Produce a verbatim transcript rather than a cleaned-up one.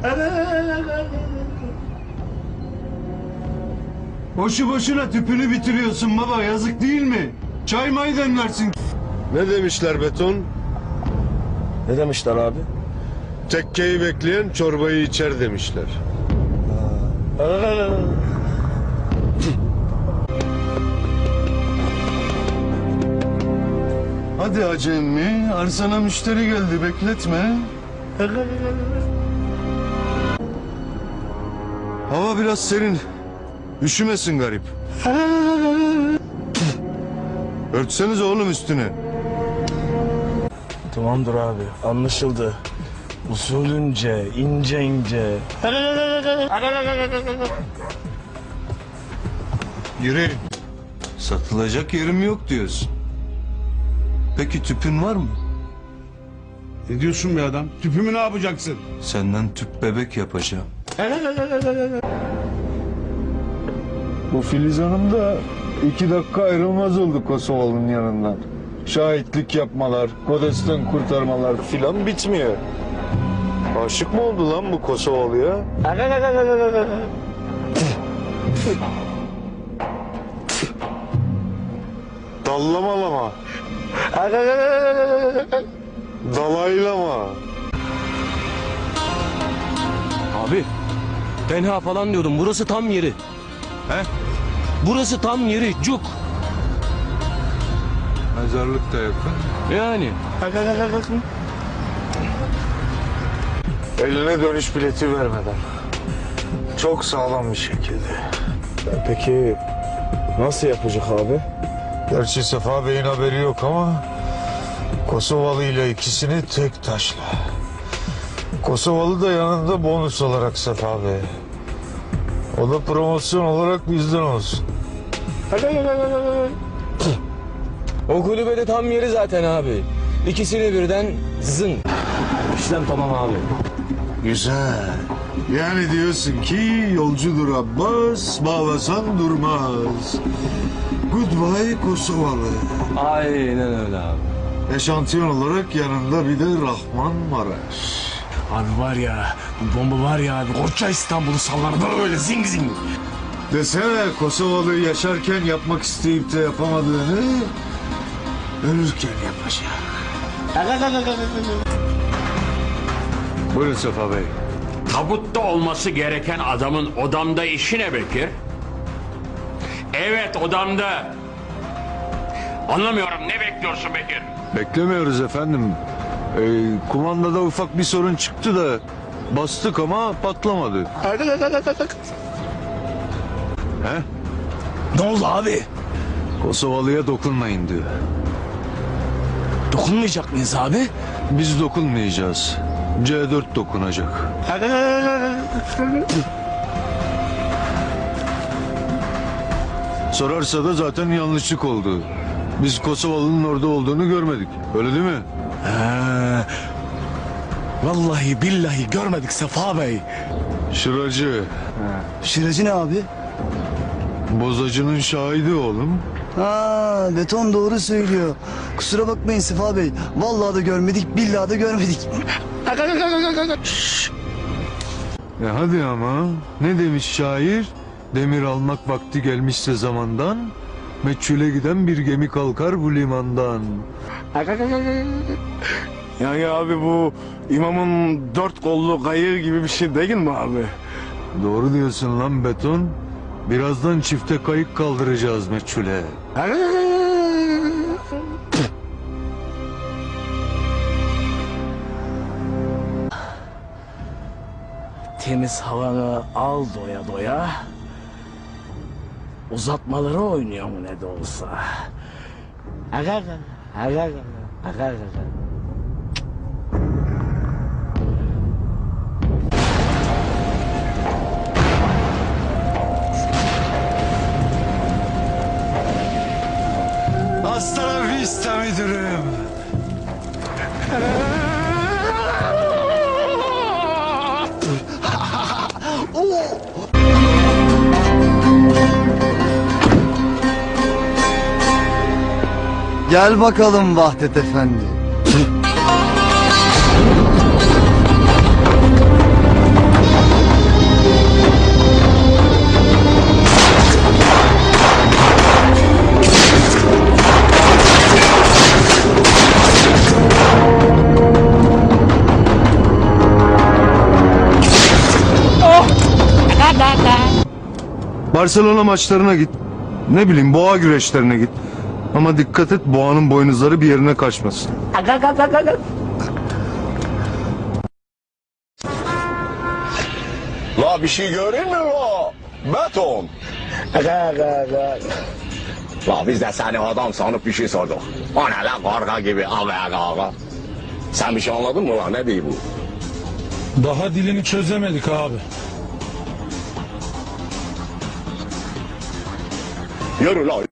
Boşu boşuna tüpünü bitiriyorsun baba, yazık değil mi? Çay may demlersin. Ne demişler beton? Ne demişler abi? Tekkeyi bekleyen çorbayı içer demişler. Hadi Hacı emmi, arsana müşteri geldi, bekletme. Hava biraz serin. Üşümesin garip. Örtseniz oğlum üstüne. Tamamdır abi, anlaşıldı. Usulünce, ince ince. Yürü. Satılacak yerim yok diyorsun. Peki tüpün var mı? Ne diyorsun be adam? Tüpümü ne yapacaksın? Senden tüp bebek yapacağım. Bu Filiz Hanım da iki dakika ayrılmaz oldu Kosovalı'nın yanından. Şahitlik yapmalar, Kodes'ten kurtarmalar filan bitmiyor. Aşık mı oldu lan bu Kosovalı'ya? Dallamalama. Dalaylama. Abi, tenha falan diyordum, burası tam yeri. He? Burası tam yeri, cuk. Mezarlık da yakın. Yani. Eline dönüş bileti vermeden. Çok sağlam bir şekilde. Peki nasıl yapacak abi? Gerçi Sefa Bey'in haberi yok ama Kosovalı ile ikisini tek taşla. Kosovalı da yanında bonus olarak Sefa Bey. O da promosyon olarak bizden olsun. O kulübede tam yeri zaten abi. İkisini birden zın. İşlem tamam abi. Güzel. Yani diyorsun ki yolcudur Abbas, bağlasan durmaz. Goodbye Kosovalı. Aynen öyle abi. Eşantiyon olarak yanında bir de Rahman Maraş. Abi var ya, bu bomba var ya abi, koca İstanbul'u sallar böyle zing zing. Desene Kosovalı yaşarken yapmak isteyip de yapamadığını ölürken yapacak. Buyurun Sefa Bey. Tabutta olması gereken adamın odamda işi ne Bekir? Evet, odamda. Anlamıyorum, ne bekliyorsun Bekir? Beklemiyoruz efendim. Ee, kumandada ufak bir sorun çıktı da bastık ama patlamadı. He? Ne oldu abi? Kosovalı'ya dokunmayın diyor. Dokunmayacak mıyız abi? Biz dokunmayacağız. C dört dokunacak. Sorarsa da zaten yanlışlık oldu. Biz Kosovalı'nın orada olduğunu görmedik. Öyle değil mi? He. Vallahi billahi görmedik Sefa Bey. Şıracı. Şıracı ne abi? Bozacının şahidi oğlum. Ha, beton doğru söylüyor. Kusura bakmayın Sefa Bey. Vallahi da görmedik, billahi da görmedik. E hadi ama. Ne demiş şair? Demir almak vakti gelmişse zamandan, meçhule giden bir gemi kalkar bu limandan. Yani abi bu imamın dört kollu kayığı gibi bir şey değil mi abi? Doğru diyorsun lan beton. Birazdan çifte kayık kaldıracağız meçhule. Temiz havanı al doya doya. Uzatmaları oynuyor mu ne de olsa. Aga aga aga aga aga aga. Hasta la vista müdürüm. Gel bakalım Vahdet Efendi. Barcelona maçlarına git. Ne bileyim boğa güreşlerine git. Ama dikkat et boğanın boynuzları bir yerine kaçmasın. La bir şey görün mü la? Beton. La biz de seni adam sanıp bir şey sorduk. O ne la karga gibi aga aga. Sen bir şey anladın mı la, ne diyor bu? Daha dilini çözemedik abi. Yürü la